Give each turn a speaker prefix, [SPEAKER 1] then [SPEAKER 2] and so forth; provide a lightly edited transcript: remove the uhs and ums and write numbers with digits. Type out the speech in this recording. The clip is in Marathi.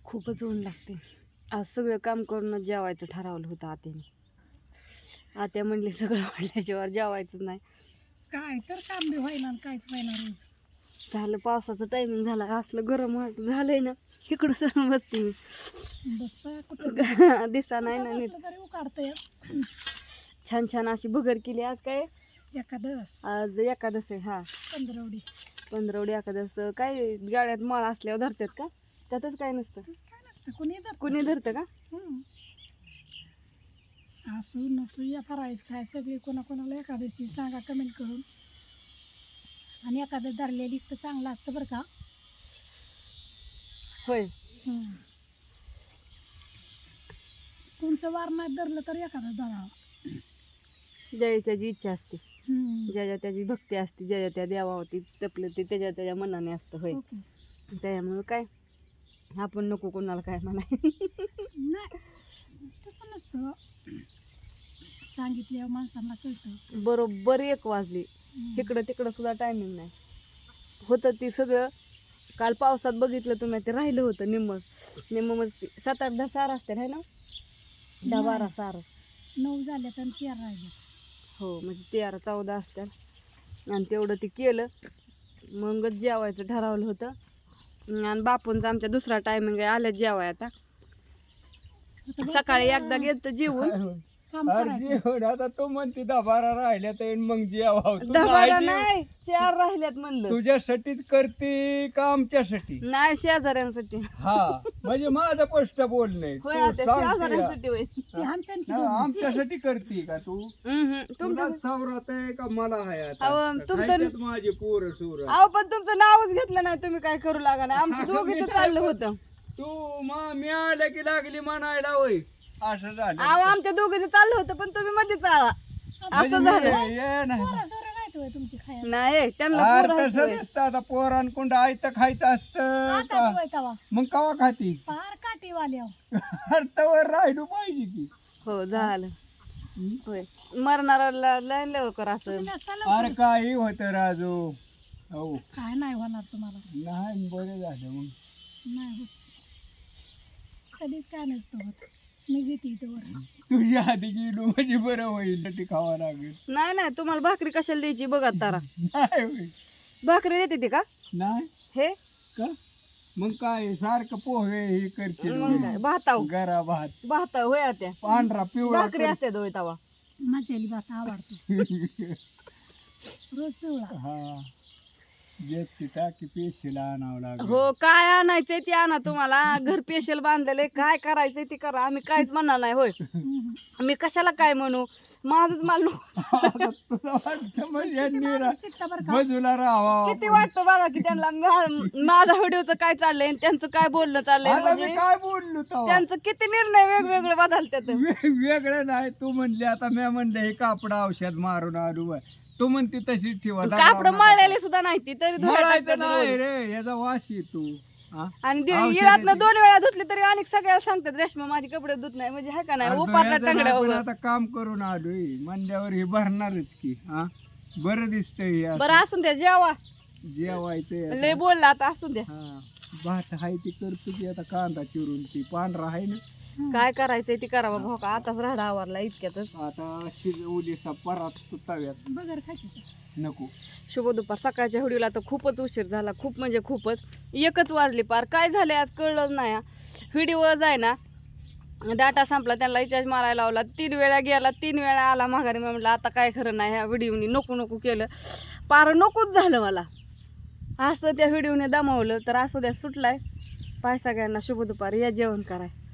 [SPEAKER 1] खूपच ऊन लागते. आज सगळं काम करूनच जेवायचं ठरवलं होतं आत्याने. आत्या म्हणली सगळं वाढल्याशिवाय जेवायचं नाही.
[SPEAKER 2] काय तर काम बी व्हायना आणि काहीच व्हायना रोज.
[SPEAKER 1] झालं पावसाचं टायमिंग झाला, असलं गरम झालंय ना. इकडं सर बसते मी.
[SPEAKER 2] बसता कुठं
[SPEAKER 1] दिसा नाही ना नीट.
[SPEAKER 2] बसलं तरी उकाडतंय.
[SPEAKER 1] छान छान अशी भगर केली. आज काय
[SPEAKER 2] एखादस
[SPEAKER 1] आज एकादस आहे. हा,
[SPEAKER 2] पंधरवडी.
[SPEAKER 1] पंधरवडी एकादस. काय गाड्यात माळ असल्यावर धरतात का? त्यातच काय नसतं.
[SPEAKER 2] तसं काय नसतं, कुणी धरतं.
[SPEAKER 1] कुणी धरतं का?
[SPEAKER 2] असू नसू या फरायचं काय सगळी कोणाकोणाला एकादशी सांगा कमेंट करून. आणि एखादं धरलेली तर चांगलं असतं बरं का.
[SPEAKER 1] होय.
[SPEAKER 2] तुमचं वार नाही धरलं तर एखादं धरावं.
[SPEAKER 1] ज्याची जी इच्छा असते, ज्याच्या त्याची भक्ती असते, ज्याच्या त्या देवावरती तपलं ते त्याच्या त्याच्या मनाने असतं. होय.
[SPEAKER 2] ओके.
[SPEAKER 1] त्यामुळं काय आपण नको कोणाला काय म्हणाय.
[SPEAKER 2] नाही तसं नसतं, सांगितल्यावर माणसांना कळतं.
[SPEAKER 1] बरोबर 1 वाजली. इकडं तिकडं सुद्धा टायमिंग नाही होतं. ती सगळं काल पावसात बघितलं तुम्ही, ते राहिलं होतं निम्म मग 7-8-10 सार असते आहे ना. 10-12 सार.
[SPEAKER 2] 9 झाल्यात आणि 4 राहिले.
[SPEAKER 1] हो, म्हणजे 13-14 असतात. आणि तेवढं ते केलं, मगच जेवायचं ठरवलं होतं. आणि बापूंचा आमच्या दुसरा टायमिंग आहे, आल्या जेवाय. आता सकाळी एकदा गेलं जेवून.
[SPEAKER 2] काम करायचं.
[SPEAKER 3] आता तो म्हणते 10-12 राहिल्या तर मग जेवावं. तू
[SPEAKER 1] 10-12
[SPEAKER 3] नाही
[SPEAKER 1] नाही, 4 राहिल्यात म्हणलं.
[SPEAKER 3] तुझ्यासाठीच करते का आमच्यासाठी?
[SPEAKER 1] नाही, शेजाऱ्यांसाठी.
[SPEAKER 3] हा, म्हणजे माझं स्पष्ट बोलणं
[SPEAKER 1] होय,
[SPEAKER 3] तू
[SPEAKER 1] आता
[SPEAKER 3] सांगते
[SPEAKER 1] शेजाऱ्यांसाठी होय.
[SPEAKER 2] ते हाणत्यान की
[SPEAKER 3] हा,
[SPEAKER 2] दोघं.
[SPEAKER 3] आमच्यासाठी करते का तू?
[SPEAKER 1] तुमचं
[SPEAKER 3] तुला सावरात आहे का मला आहे
[SPEAKER 1] अहो,
[SPEAKER 3] आता?
[SPEAKER 1] तुमचं-
[SPEAKER 3] खायच्यात माझे पोरं सोर.
[SPEAKER 1] अहो, पण तुमचं नावच घेतलं नाही तुम्ही, काय करू लागा नाही. आमचं दोघीचं चाललं होतं.
[SPEAKER 3] तू मी आल्या की लागली म्हणायला होय. असं झालं.
[SPEAKER 1] अहो, आमच्या दोघीचं चाललं होतं, पण तुम्ही मध्येच आला.
[SPEAKER 3] म्हणजे
[SPEAKER 1] असं
[SPEAKER 3] मी
[SPEAKER 1] झालं.
[SPEAKER 3] ये नाही.
[SPEAKER 2] पोरं-सोरं नाहीत होय तुमची खायला.
[SPEAKER 1] नाही, त्यांना
[SPEAKER 3] अरे
[SPEAKER 1] पोरं आहेत
[SPEAKER 3] तसं
[SPEAKER 1] होय.
[SPEAKER 3] नसतं. आता पोरांकुंड आयतं खायचं असतं
[SPEAKER 2] आता
[SPEAKER 3] का?
[SPEAKER 2] होय तवा.
[SPEAKER 3] मग कवा खाती?
[SPEAKER 2] फार काठीवाल्यावर.
[SPEAKER 3] अर्थवर राहिलो पाहिजे की.
[SPEAKER 1] हो, झालं. होय, मरणाऱ्याला लय लवकर असं.
[SPEAKER 2] तुम्ही नसाला
[SPEAKER 3] अरे काही होत राजू. हो,
[SPEAKER 2] काय नाही होणार तुम्हाला.
[SPEAKER 3] नाही बरं झालं मग.
[SPEAKER 2] नाही होत. कधीच काय नसतं होत. मी जिथे इथं वर.
[SPEAKER 3] तुझ्या आधी गेलो म्हणजे बरं होईल. ती खावा लागेल.
[SPEAKER 1] नाही नाही, तुम्हाला भाकरी कशाला द्यायची बघा तारा.
[SPEAKER 3] नाही होईल.
[SPEAKER 1] भाकरी देते ती का
[SPEAKER 3] नाही
[SPEAKER 1] हे?
[SPEAKER 3] का? मग काय सारखं पोहे हे करशील
[SPEAKER 1] मग काय भाताव
[SPEAKER 3] गरा भात
[SPEAKER 1] भाताव होय त्या
[SPEAKER 3] पांढरा पिवळा
[SPEAKER 1] भाकरी असते दोय तवा.
[SPEAKER 2] मसाली भात आवडतो रोज पिवळा.
[SPEAKER 3] हा, जेत टाकी पेशीला आणावं लागेल.
[SPEAKER 1] हो, काय आणायचंय ते आणा. तुम्हाला घर पेशल बांधलेलं काय करायचंय ते करा. आम्ही काहीच म्हणणार नाही. होय, मी कशाला काय म्हणू, माझंच माल
[SPEAKER 3] तुला वाटतं म्हणजे निरा
[SPEAKER 2] चित्ता बरं का.
[SPEAKER 3] बाजूला राहावा.
[SPEAKER 1] किती वाटतं बघा की त्यांना माझा व्हिडिओचं काय चाललंय आणि त्यांचं काय बोलणं चाललंय.
[SPEAKER 3] आता मी
[SPEAKER 1] म्हणजे
[SPEAKER 3] काय बोललो तेव्हा?
[SPEAKER 1] त्यांचं किती निर्णय वेगवेगळे बदलतात.
[SPEAKER 3] वेगळं नाही. तू म्हणली आता मी म्हणलं हे कापड औषध मारून आलो बाय. तू म्हणते तशीच ठेवा.
[SPEAKER 1] कापड मळलेले सुद्धा नाही ती तरी धुवायला
[SPEAKER 3] मळायचं
[SPEAKER 1] टाकतात
[SPEAKER 3] नाही
[SPEAKER 1] रोज.
[SPEAKER 3] रे, याचा वास येतो. हा?
[SPEAKER 1] आणि
[SPEAKER 3] औषधाची-
[SPEAKER 1] इळातनं 2 वेळा धुतली तरी आणि सगळ्याला सांगतात रेशमा माझी कपडे धुत नाही. म्हणजे हाय का नाही,
[SPEAKER 3] अरे
[SPEAKER 1] उपारला
[SPEAKER 3] धुयाचं
[SPEAKER 1] टांगड्या
[SPEAKER 3] नाही, पण
[SPEAKER 1] वगैरे.
[SPEAKER 3] आता काम करून आलोय म्हणल्यावर हे भरणारच की. हा, बरं दिसतंय हे असं.
[SPEAKER 1] बरं असून द्या, जेवा.
[SPEAKER 3] जेवायचंय
[SPEAKER 1] लय
[SPEAKER 3] आता.
[SPEAKER 1] बोलला आता, असून द्या.
[SPEAKER 3] हा, भात हाय ती करतो की आता कांदा चिरून ती पांढरा आहे ना.
[SPEAKER 1] काय करायचंय ती करा बाबा. हो का, आताच राहडा आवरला इतक्यातच.
[SPEAKER 3] आता उलीसा परात सुताव्यात
[SPEAKER 2] बगर खायची का?
[SPEAKER 3] नको.
[SPEAKER 1] शुभ दुपार. सकाळच्या व्हिडिओला तर खूपच उशीर झाला, खूप म्हणजे खूपच. 1च वाजली पार. काय झाले आज कळलं नाही. व्हिडिओ जाय ना, डाटा संपला, त्यांना रिचार्ज मारायला लावला. 3 वेळा गेला, 3 वेळा आला माघारी. मी म्हटलं आता काय खरं नाही, ह्या व्हिडिओनी नको नको केलं. पार नकोच झालं मला. असं त्या व्हिडिओने दमावलं तर असू द्या, सुटलाय. पाय सगळ्यांना शुभ दुपार. या जेवण कराय.